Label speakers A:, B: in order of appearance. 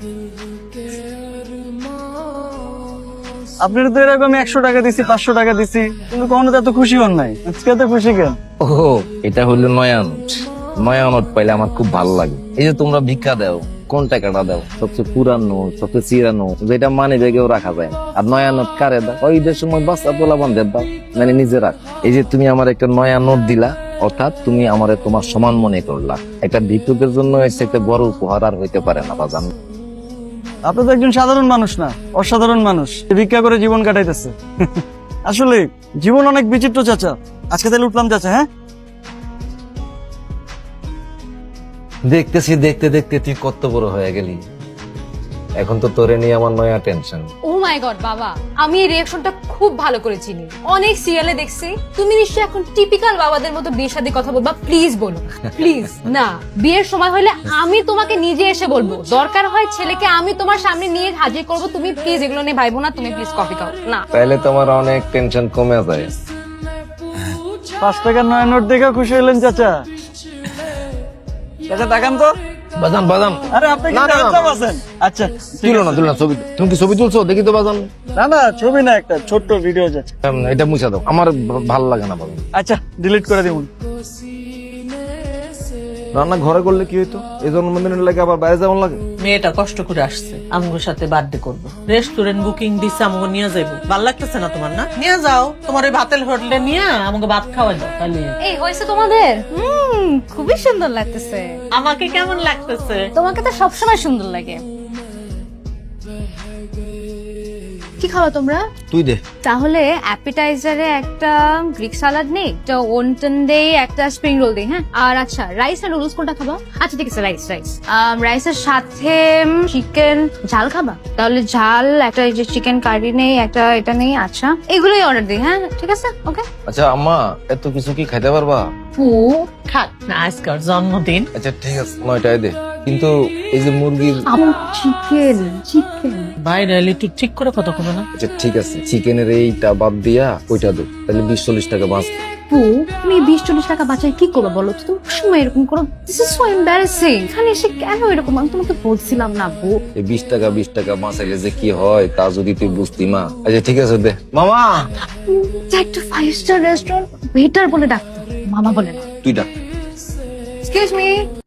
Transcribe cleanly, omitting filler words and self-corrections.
A: আপনার তো এরকম 100 টাকা দিছি, 500 টাকা দিছি, কিন্তু কখনো তো এত খুশি হন নাই। আজকে এত খুশি কেন?
B: ও, এটা হলো নয়া নোট। নয়া নোট পাইলে আমার খুব ভালো লাগে। এই যে তোমরা ভিক্ষা দাও, কোন টাকাটা দাও? সবচেয়ে পুরানো, সবচেয়ে চিরানো, যেটা মানে জায়গায় রাখা যায় না। আর নয়া নোট কারে দাও? ওই ঈদের সময় বাচ্চা পোলা বান্ধব দাও, মানে নিজে রাখ। এই যে তুমি আমার একটা নয়া নোট দিলা, অর্থাৎ তুমি আমারে তোমার সমান মনে করলা। একটা ভিক্ষুকের জন্য এসে একটা বড় উপহার আর হইতে পারে না বাজান।
A: আপনি তো একজন সাধারণ মানুষ না, অসাধারণ মানুষ, ভিক্ষা করে জীবন কাটাইতেছে। আসলে জীবন অনেক বিচিত্র চাচা। আজকে তাহলে উঠলাম চাচা। হ্যাঁ,
B: দেখতেছি দেখতে দেখতে তুই কত বড় হয়ে গেলি। এখন তো তোরে নিয়ে আমার নয়া টেনশন।
C: ও মাই গড বাবা, আমি এই রিঅ্যাকশনটা খুব ভালো করে চিনি, অনেক সিরিয়ালে দেখছি। তুমি নিশ্চয়ই এখন টিপিক্যাল বাবাদের মতো বিয়ের সাথে কথা বলবা। প্লিজ বলো, প্লিজ। না, বিয়ের সময় হলে আমি তোমাকে নিজে এসে বলবো, দরকার হয় ছেলেকে আমি তোমার সামনে নিয়ে হাজির করব। তুমি প্লিজ এগুলো নিয়ে ভাইবো না। তুমি প্লিজ কফি খাও না।
B: তাইলে তোমার অনেক টেনশন কমে যায়।
A: 5 টাকার নয়া নোট দেখে খুশি হলেন চাচা? চাচা তাকান তো।
B: বাজান বাজান,
A: আরে আপনি কি
B: না, না, না।
A: চাচা আছেন? আচ্ছা,
B: তুলো না তুলো না ছবি। তুমি কি ছবি তুলছো? দেখি তো বাজান।
A: না না, ছবি না, একটা ছোট্ট ভিডিও চাচা।
B: এটা মুছা দাও, আমার ভালো লাগে না বাজান।
A: আচ্ছা, ডিলিট করে দিবুন।
B: রান্না ঘরে করলে কি হইতো? এই জন্মদিনের লাগে আবার বাইরে যাওয়ার লাগে।
D: মেয়েটা কষ্ট করে আসছে আমগোর সাথে বার্থডে করবো, রেস্টুরেন্ট বুকিং দিচ্ছে, আমগো নিয়ে যাইবো। ভাল লাগতেছে না তোমার? না নিয়ে যাও, তোমার ওই ভাতের হোটেলে নিয়ে আমাকে ভাত খাওয়াই দাও। তাহলে
C: এই হয়েছে তোমাদের? খুবই সুন্দর লাগতেছে।
D: আমাকে কেমন লাগতেছে?
C: তোমাকে তো সবসময় সুন্দর লাগে। কি খাওয়া তোমরা?
B: তুই দে।
C: তাহলে অ্যাপিটাইজারে একটা গ্রিক সালাড নেই, একটা ওনটন দেই, একটা স্প্রিং রোল দেই। হ্যাঁ, আর আচ্ছা রাইস আর নুডলস কোনটা খাবা? আচ্ছা ঠিক আছে, রাইস। রাইসের সাথে চিকেন ঝাল খাবা? তাহলে ঝাল একটা, এই যে চিকেন কারি নেই, একটা এটা নেই। আচ্ছা, এগুলোই অর্ডার দিই। হ্যাঁ ঠিক আছে, ওকে।
B: আচ্ছা আম্মা, এত কিছু কি খাইতে পারবা?
D: খাক না, আজকার জন্মদিন।
B: আচ্ছা ঠিক আছে, 9টায় দে। কিন্তু এই যে মুরগির,
C: চিকেন
D: বাইরে এলে একটু ঠিক করে কথা কবে না?
B: আচ্ছা ঠিক আছে, চিকেনের এইটা বাদ দিয়া ওইটা দে, তাহলে 20-40 টাকা বাঁচ।
C: তুমি 20-40 টাকা বাঁচাই কি করবে বলো তো? তুমি সময় এরকম করো, দিস ইজ সো এম্বারাসিং। এখানে এসে কেন এরকম? আমি তোমাকে বলছিলাম না বউ।
B: এই 20 টাকা বাঁচাইলে যে কি হয় তা যদি তুই বুঝতি মা। আচ্ছা ঠিক আছে দে মামা।
C: একটা 5 স্টার রেস্টুরেন্ট ওয়েটার বলে ডাকতো, মামা বলে না।
B: তুই ডাক।
C: Excuse me.